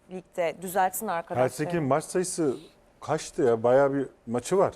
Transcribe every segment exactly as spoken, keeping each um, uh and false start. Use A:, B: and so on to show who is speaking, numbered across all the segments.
A: ligde. Düzeltsin arkadaşlar.
B: Helsinki'nin maç sayısı kaçtı ya? Bayağı bir maçı var.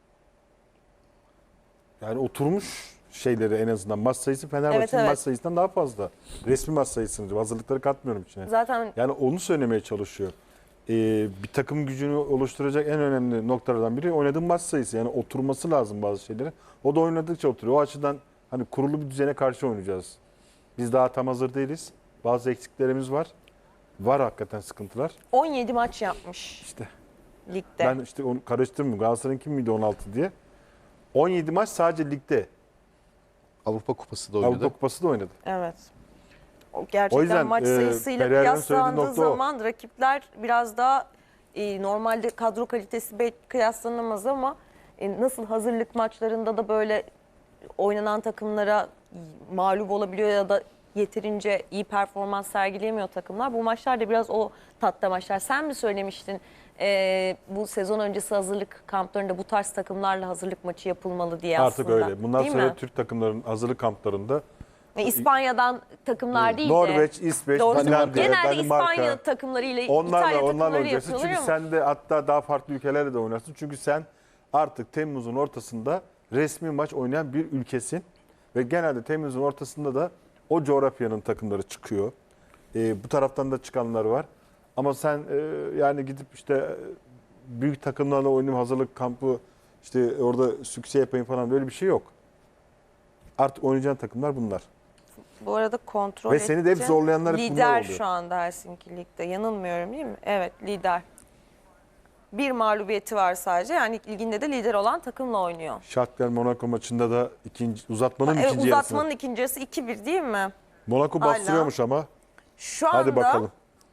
B: Yani oturmuş şeyleri en azından. Maç sayısı Fenerbahçe'nin
A: Evet, evet.
B: maç sayısından daha fazla. Resmi maç sayısını, hazırlıkları katmıyorum içine.
A: Zaten
B: Yani onu söylemeye çalışıyor. Ee, bir takım gücünü oluşturacak en önemli noktalardan biri oynadığın maç sayısı. Yani oturması lazım bazı şeyleri. O da oynadıkça oturuyor. O açıdan hani kurulu bir düzene karşı oynayacağız. Biz daha tam hazır değiliz. Bazı eksiklerimiz var. Var hakikaten sıkıntılar.
A: on yedi maç yapmış
B: İşte
A: ligde.
B: ben işte onu karıştırmıyorum. Galatasaray'ın kim miydi on altı diye. on yedi maç sadece ligde.
C: Avrupa Kupası da oynadı.
B: Avrupa Kupası da oynadı.
A: Evet. O gerçekten
B: O yüzden,
A: maç
B: e,
A: sayısıyla
B: Pereira'nın söylediği
A: kıyaslandığı
B: nokta o.
A: zaman rakipler biraz daha e, normalde kadro kalitesi belki kıyaslanamaz ama e, nasıl hazırlık maçlarında da böyle oynanan takımlara mağlup olabiliyor ya da yeterince iyi performans sergileyemiyor takımlar. Bu maçlar da biraz o tatta maçlar. Sen mi söylemiştin e, bu sezon öncesi hazırlık kamplarında bu tarz takımlarla hazırlık maçı yapılmalı diye
B: Artık
A: aslında.
B: öyle. Bundan
A: Değil
B: sonra
A: mi?
B: Türk takımlarının hazırlık kamplarında
A: E, İspanya'dan takımlar değil de.
B: Norveç, İsveç,
A: Doğrusu
B: Finlandiya,
A: genelde
B: Danimarka.
A: İspanya takımlarıyla
B: Onlarla
A: İtalya
B: onlarla
A: takımları
B: oynayacaksın.
A: yapıyorlar
B: Çünkü
A: ama
B: sen de hatta daha farklı ülkelerle de oynarsın. Çünkü sen artık Temmuz'un ortasında resmi maç oynayan bir ülkesin. Ve genelde Temmuz'un ortasında da o coğrafyanın takımları çıkıyor. Ee, bu taraftan da çıkanlar var. Ama sen e, yani gidip işte e, büyük takımlarla oynayayım, hazırlık kampı işte orada sükse yapayım falan böyle bir şey yok. Artık oynayacağın takımlar bunlar.
A: bu arada kontrol
B: Ve seni de hep
A: edeceğim.
B: zorlayanlar hep bunlar
A: Lider
B: oluyor.
A: şu anda Helsinki Lig'de. Yanılmıyorum değil mi? Evet, lider. Bir mağlubiyeti var sadece. Yani liginde de lider olan takımla oynuyor.
B: Shakhtar Monaco maçında da ikinci uzatmanın
A: Evet,
B: ikinci
A: uzatmanın
B: yarısında.
A: ikinci yarısı iki bir değil mi?
B: Monaco
A: Hala.
B: bastırıyormuş ama.
A: Şu anda
B: Hadi bakalım.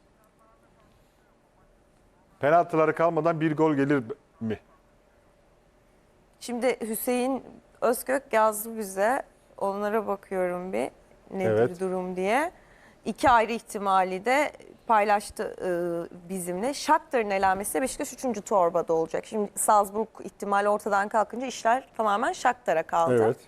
B: Penaltıları kalmadan bir gol gelir mi?
A: şimdi Hüseyin Özkök yazdı bize. Onlara bakıyorum bir nedir
B: Evet.
A: durum diye. İki ayrı ihtimali de paylaştı e, bizimle. Shakhtar'ın elenmesi Beşiktaş üçüncü torbada olacak. Şimdi Salzburg ihtimali ortadan kalkınca işler tamamen Shakhtar'a kaldı.
B: Evet.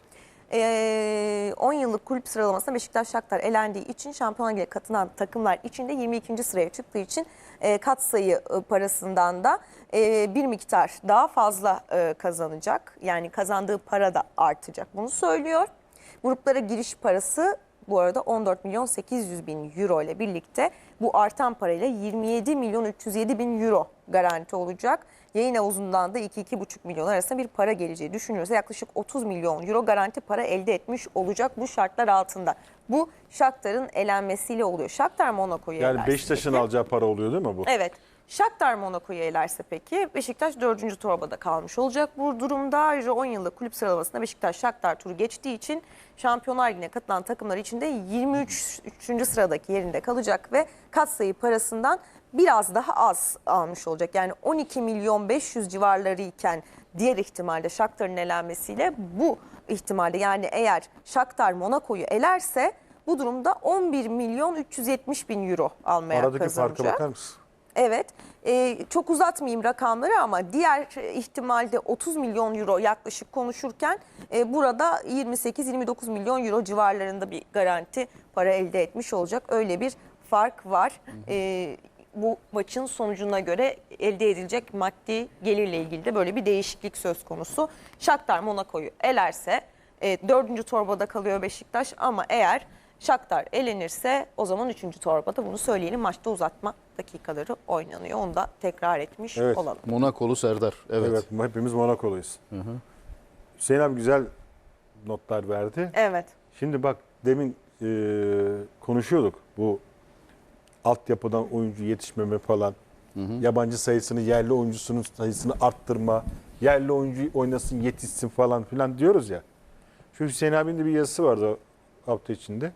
A: Ee, on yıllık kulüp sıralamasında Beşiktaş Shakhtar elendiği için Şampiyonlar Ligi'ne katılan takımlar içinde yirmi ikinci sıraya çıktığı için e, katsayı e, parasından da e, bir miktar daha fazla e, kazanacak. Yani kazandığı para da artacak. Bunu söylüyor. Gruplara giriş parası bu arada on dört milyon sekiz yüz bin euro ile birlikte bu artan parayla yirmi yedi milyon üç yüz yedi bin euro garanti olacak. Yayın havuzundan da iki iki buçuk milyon arasında bir para geleceği düşünülürse yaklaşık otuz milyon euro garanti para elde etmiş olacak bu şartlar altında. Bu Shakhtar'ın elenmesiyle oluyor. Shakhtar Monaco'yu
B: Yani
A: elerse
B: Beşiktaş'ın
A: peki-
B: alacağı para oluyor değil mi bu?
A: Evet. Shakhtar Monaco'yu elerse peki Beşiktaş dördüncü torbada kalmış olacak. Bu durumda ayrıca on yıllık kulüp sıralamasında Beşiktaş Shakhtar turu geçtiği için Şampiyonlar Ligi'ne katılan takımlar içinde yirmi üçüncü sıradaki yerinde kalacak ve katsayı parasından biraz daha az almış olacak. Yani on iki milyon beş yüz civarları iken diğer ihtimalde Shakhtar'ın elenmesiyle bu ihtimalde yani eğer Shakhtar Monaco'yu elerse bu durumda on bir milyon üç yüz yetmiş bin euro almaya
B: Aradaki
A: kazanacak.
B: farka bakar mısın?
A: Evet, e, çok uzatmayayım rakamları ama diğer ihtimalde otuz milyon euro yaklaşık konuşurken e, burada yirmi sekiz yirmi dokuz milyon euro civarlarında bir garanti para elde etmiş olacak. Öyle bir fark var. E, bu maçın sonucuna göre elde edilecek maddi gelirle ilgili de böyle bir değişiklik söz konusu. Shakhtar Monaco'yu elerse e, dördüncü torbada kalıyor Beşiktaş ama eğer Shakhtar elenirse o zaman üçüncü torbada bunu söyleyelim. Maçta uzatma dakikaları oynanıyor. Onu da tekrar etmiş
B: Evet.
A: olalım.
C: Monakolu Serdar. Evet.
B: Evet. Hepimiz Monaco'luyuz. Hüseyin abi güzel notlar verdi.
A: Evet.
B: Şimdi bak demin e, konuşuyorduk bu altyapıdan oyuncu yetişmeme falan. Yabancı sayısını, yerli oyuncusunun sayısını arttırma. Yerli oyuncu oynasın, yetişsin falan filan diyoruz ya. Şu Hüseyin abinin de bir yazısı vardı hafta içinde.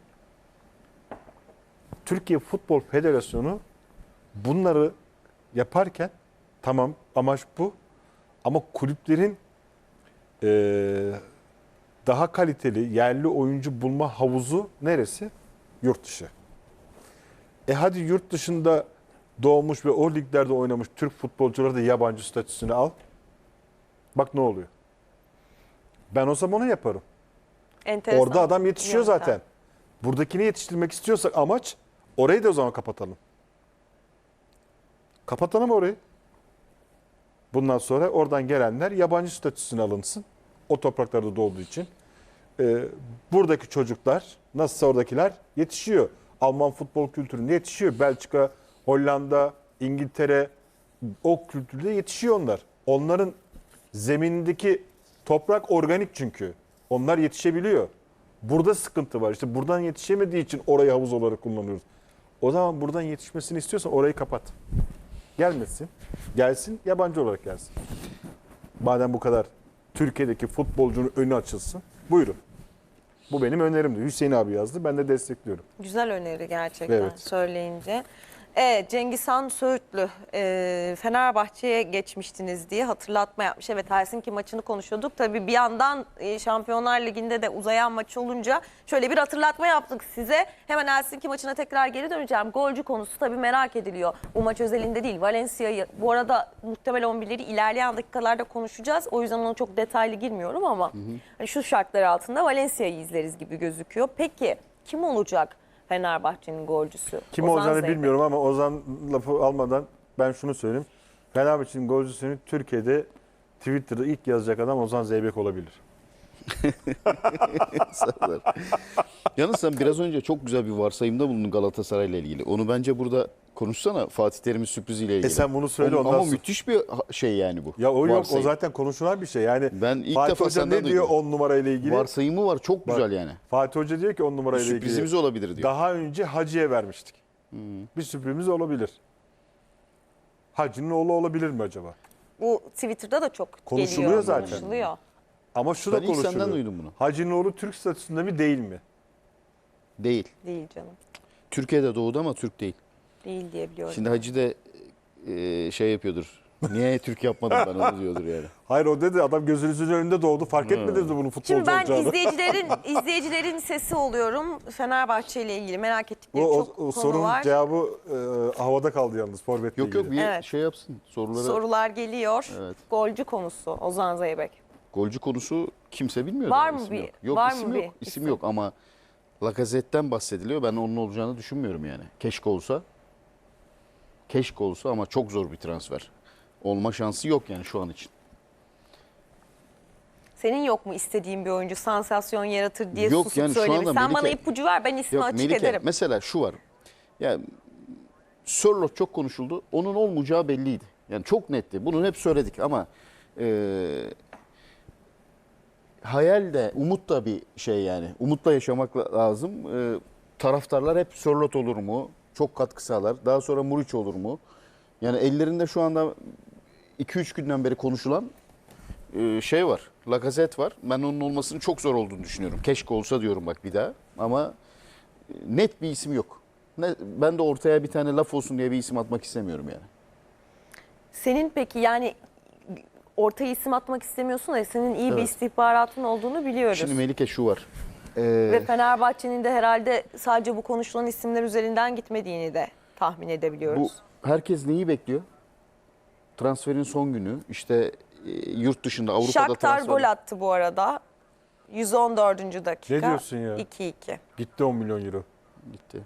B: Türkiye Futbol Federasyonu bunları yaparken tamam amaç bu ama kulüplerin e, daha kaliteli yerli oyuncu bulma havuzu neresi? Yurt dışı. E hadi yurt dışında doğmuş ve o liglerde oynamış Türk futbolcuları da yabancı statüsünü al. Bak ne oluyor. Ben o zaman onu yaparım.
A: Enteresan.
B: Orada adam yetişiyor
A: yöntem.
B: zaten. Buradakini yetiştirmek istiyorsak amaç orayı da o zaman kapatalım. Kapatalım orayı. Bundan sonra oradan gelenler yabancı statüsüne alınsın. O topraklarda doğduğu için. Ee, buradaki çocuklar, nasılsa oradakiler yetişiyor. Alman futbol kültüründe yetişiyor. Belçika, Hollanda, İngiltere o kültürde yetişiyor onlar. Onların zeminindeki toprak organik çünkü. Onlar yetişebiliyor. Burada sıkıntı var. İşte buradan yetişemediği için orayı havuz olarak kullanıyoruz. O zaman buradan yetişmesini istiyorsan orayı kapat. Gelmesin. Gelsin, yabancı olarak gelsin. Madem bu kadar Türkiye'deki futbolcunun önü açılsın. Buyurun. Bu benim önerimdi. Hüseyin abi yazdı. Ben de destekliyorum.
A: Güzel öneri gerçekten
B: Evet.
A: söyleyince. Evet, Cengizhan Söğütlü e, Fenerbahçe'ye geçmiştiniz diye hatırlatma yapmış. Evet, Helsinki maçını konuşuyorduk. Tabii bir yandan e, Şampiyonlar Ligi'nde de uzayan maç olunca şöyle bir hatırlatma yaptık size. Hemen Helsinki maçına tekrar geri döneceğim. Golcü konusu tabii merak ediliyor. Bu maç özelinde değil. Valencia'yı bu arada muhtemel on birleri ilerleyen dakikalarda konuşacağız. O yüzden ona çok detaylı girmiyorum ama hı hı. Hani şu şartlar altında Valencia'yı izleriz gibi gözüküyor. Peki kim olacak Fenerbahçe'nin golcüsü?
B: Kim
A: Ozan
B: olacağını
A: Zeybek.
B: bilmiyorum ama Ozan lafı almadan ben şunu söyleyeyim. Fenerbahçe'nin golcüsünü Türkiye'de Twitter'da ilk yazacak adam Ozan Zeybek olabilir.
C: Serdar. Yalnız sen biraz önce çok güzel bir varsayımda bulundun Galatasaray'la ilgili. Onu bence burada konuşsana, Fatih Terim'in sürpriziyle ilgili.
B: E sen bunu söyle,
C: O-
B: ondan
C: Ama
B: sonra-
C: müthiş bir ha- şey yani bu.
B: Ya o yok,
C: Varsayım.
B: o zaten konuşulan bir şey. Yani
C: Ben ilk
B: Fatih
C: defa
B: Hoca
C: senden
B: ne diyor
C: duydum.
B: on numarayla ilgili?
C: Varsayımı var, çok güzel yani.
B: Fatih Hoca diyor ki on
C: Bir
B: numarayla ilgili.
C: sürprizimiz olabilir diyor.
B: Daha önce Hacı'ya vermiştik. Bir sürprizimiz olabilir. Hacı'nın oğlu olabilir mi acaba?
A: Bu Twitter'da da çok
B: Konuşuluyor
A: geliyor.
B: zaten.
A: Konuşuluyor.
B: Ama şu
C: Ben
B: da
C: ilk
B: konuşuluyor.
C: senden duydum bunu.
B: Hacı'nın oğlu Türk statüsünde mi değil mi?
C: Değil.
A: Değil canım.
C: Türkiye'de doğdu ama Türk değil.
A: Değil diye biliyorum.
C: Şimdi Hacı da e, şey yapıyordur. Niye Türk yapmadım ben onu diyordur yani.
B: Hayır, o dedi adam gözünüzün önünde doğdu. Fark etmediniz mi bunun futbolcu
A: Şimdi ben
B: olacağını?
A: izleyicilerin izleyicilerin sesi oluyorum. Fenerbahçe ile ilgili merak ettikleri
B: O, o,
A: çok
B: o
A: konu
B: sorunun
A: var.
B: cevabı e, havada kaldı yalnız forvetle
C: Yok yok
B: ilgili.
C: bir
A: Evet.
C: şey yapsın. Soruları.
A: Sorular geliyor.
C: Evet.
A: Golcü konusu Ozan Zeybek.
C: Golcü konusu kimse bilmiyor.
A: Var
C: daha,
A: mı
C: isim
A: bir-
C: Yok, yok
A: var
C: isim
A: mı
C: yok.
A: bir
C: İsim
A: isim?
C: yok ama Lacazette'den bahsediliyor. Ben onun olacağını düşünmüyorum yani. Keşke olsa. Keşke olsa ama çok zor bir transfer. Olma şansı yok yani şu an için.
A: Senin yok mu istediğin bir oyuncu sansasyon yaratır diye
C: Yok
A: susup
C: yani şu
A: söylemiş.
C: anda
A: Sen bana
C: Melike-
A: ipucu ver, ben ismi
C: Yok
A: açık
C: Melike
A: ederim.
C: mesela şu var. Ya Sörloth çok konuşuldu. Onun olmayacağı belliydi. Yani çok netti. Bunu hep söyledik ama e, hayal de umut da bir şey yani. Umutla yaşamak la- lazım. E, taraftarlar hep Sörloth olur mu? Çok katkı sağlar. Daha sonra Muriç olur mu? Yani ellerinde şu anda iki üç günden beri konuşulan e, şey var. Lacazette var. Ben onun olmasının çok zor olduğunu düşünüyorum. Keşke olsa diyorum bak bir daha. Ama e, net bir isim yok. Ne, ben de ortaya bir tane laf olsun diye bir isim atmak istemiyorum yani.
A: Senin peki yani ortaya isim atmak istemiyorsun da senin iyi bir
C: Evet.
A: istihbaratın olduğunu biliyoruz.
C: Şimdi Melike şu var. Ee,
A: Ve Fenerbahçe'nin de herhalde sadece bu konuşulan isimler üzerinden gitmediğini de tahmin
C: bu
A: edebiliyoruz.
C: herkes neyi bekliyor? Transferin son günü. İşte e, yurt dışında Avrupa'da
A: Shakhtar
C: transfer.
A: gol attı bu arada. yüz on dördüncü dakika.
B: Ne diyorsun ya?
A: iki iki.
B: Gitti on milyon euro.
C: Gitti.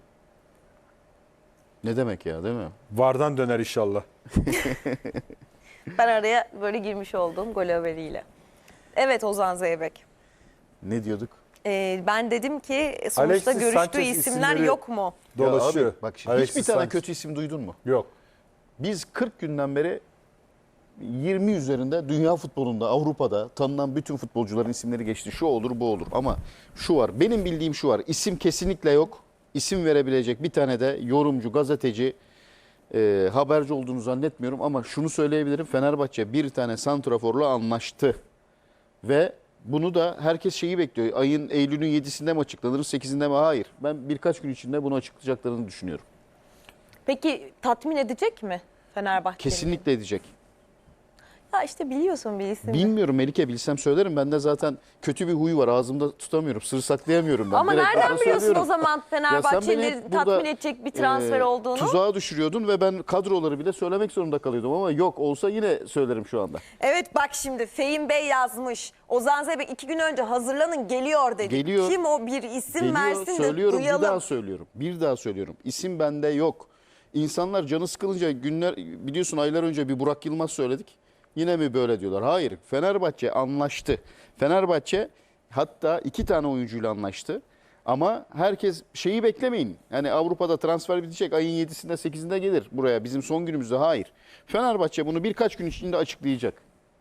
C: Ne demek ya değil mi?
B: Vardan döner inşallah.
A: Ben araya böyle girmiş olduğum gol haberiyle. Evet Ozan Zeybek.
C: Ne diyorduk?
A: Ee, ben dedim ki sonuçta
B: Alexis
A: görüştüğü
B: Sanchez
A: isimler
B: isimleri-
A: yok mu?
B: Dolaşıyor.
C: Ya abi, bak şimdi
B: Alexis
C: hiçbir tane
B: Sanchez.
C: kötü isim duydun mu?
B: Yok.
C: Biz kırk günden beri yirmi üzerinde dünya futbolunda, Avrupa'da tanınan bütün futbolcuların isimleri geçti. Şu olur, bu olur. Ama şu var, benim bildiğim şu var. İsim kesinlikle yok. İsim verebilecek bir tane de yorumcu, gazeteci, e, haberci olduğunu zannetmiyorum. Ama şunu söyleyebilirim. Fenerbahçe bir tane santraforla anlaştı. Ve bunu da herkes şeyi bekliyor. Ayın Eylül'ün yedisinde mi açıklanır, sekizinde mi? Hayır. Ben birkaç gün içinde bunu açıklayacaklarını düşünüyorum.
A: Peki tatmin edecek mi Fenerbahçe'yi?
C: Kesinlikle edecek.
A: Ya işte biliyorsun bir isim.
C: Bilmiyorum Melike, bilsem söylerim. Bende zaten kötü bir huy var. Ağzımda tutamıyorum. Sır saklayamıyorum ben.
A: Ama
C: Direkt
A: nereden
C: burada
A: biliyorsun
C: söylüyorum.
A: o zaman
C: Ya sen beni
A: Fenerbahçe'nin
C: hep burada,
A: tatmin edecek bir transfer
C: e,
A: olduğunu?
C: Tuzağa düşürüyordun ve ben kadroları bile söylemek zorunda kalıyordum. Ama yok, olsa yine söylerim şu anda.
A: Evet bak şimdi Fehim Bey yazmış. Ozan Zeybek iki gün önce hazırlanın geliyor dedi.
C: Geliyor.
A: Kim o bir isim
C: Geliyor,
A: versin de
C: söylüyorum,
A: duyalım.
C: bir daha söylüyorum. Bir daha söylüyorum. İsim bende yok. İnsanlar canı sıkılınca günler biliyorsun aylar önce bir Burak Yılmaz söyledik. Yine mi böyle diyorlar? Hayır. Fenerbahçe anlaştı. Fenerbahçe hatta iki tane oyuncuyla anlaştı. Ama herkes şeyi beklemeyin. Yani Avrupa'da transfer bitecek ayın yedisinde sekizinde gelir buraya bizim son günümüzde. Hayır. Fenerbahçe bunu birkaç gün içinde açıklayacak.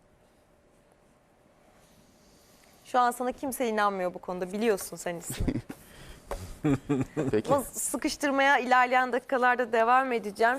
A: Şu an sana kimse inanmıyor bu konuda, biliyorsun sen ismi.
C: Peki.
A: Ama sıkıştırmaya ilerleyen dakikalarda devam edeceğim.